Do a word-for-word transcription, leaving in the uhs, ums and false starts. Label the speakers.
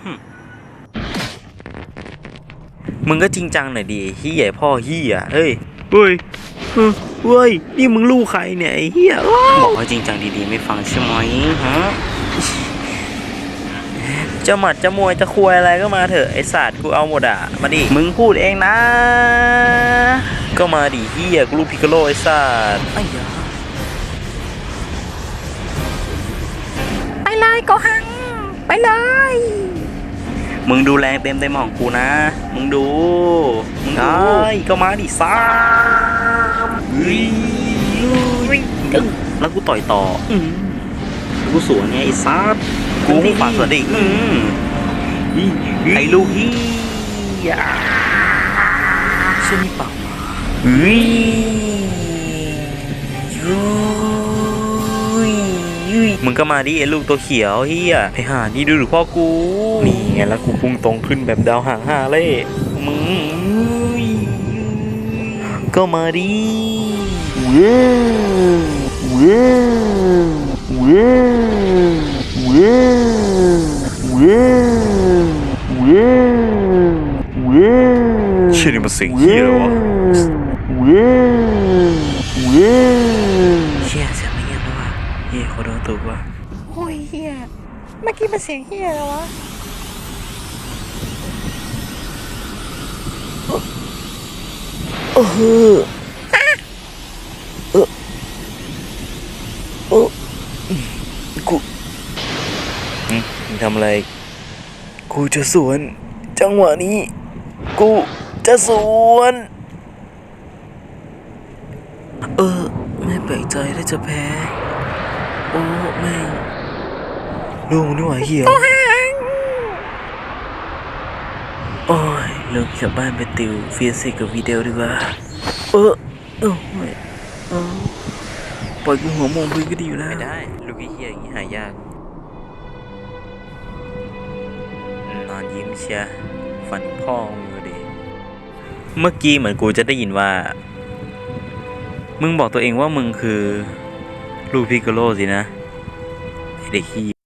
Speaker 1: มึงก็จริงจังหน่อยดิเฮียพ่อเฮียเฮ้ยเฮ้ยเฮ้ยนี่มึงลูกใครเนี่ยไอ้เฮียบอกว่าจริงจังดีๆไม่ฟังใช่ไหมฮะจะหมัดจะมวยจะคุยอะไรก็มาเถอะไอ้สัตว์กูเอาหมดอ่ะมาดิมึงพูดเองนะก็มาดิเฮียกูลูกพิกโลไอ้สัตว์ไอ้ยาไปเลยโกหังไปเลยมึงดูแรงเต็มเต็มของกูนะมึงดูมึงได้ก็มาดิซ่าแล้วกูต่อยต่อกูสวนไงไอ้ซัดกูไม่ฝันสวนดิไอ้ลูกฮียเชื่อนี่ปากเฮ้ยมึงก็มาดิไอ้ลูกตัวเขียวเฮียไอ้ห่านี่ดูหรือพ่อกูนี่ไงแล้วกูพุ่งตรงขึ้นแบบดาวหางห้าเล่มึงก็มาดิเว้เว้เว้เว้เว้เว้เว้เชื่อนี่มันเสียงเฮียแล้ววะเว้เว้เชี่ยเสียงไม่เงียบแล้ววะเฮียขอโดนตัววะ
Speaker 2: โอ้ยเฮียเมื่อกี้มันเสียงเฮียแล้ววะ
Speaker 1: เออเออเออกูมึงทำอะไรกูจะสวนจังหวะนี้กูจะสวนเออไม่แปลกใจถ้าจะแพ้โอ้แม่งลูกนี่หว่าเหี้ยโอ้ยเลิกกลับบ้านไปติวฟิสิกส์กับวิดีโอดีกว่าเออเออไม่เออปล่อยกูหัวมองพื้นก็ดีอยู่แล้วไม่ได้ลูกเหี้ยอย่างนี้หายากนอนยิ้มเชียฝันพ่อมึงดิเมื่อกี้เหมือนกูจะได้ยินว่ามึงบอกตัวเองว่ามึงคือลูกพิกโกโลสินะไอเด็กขี้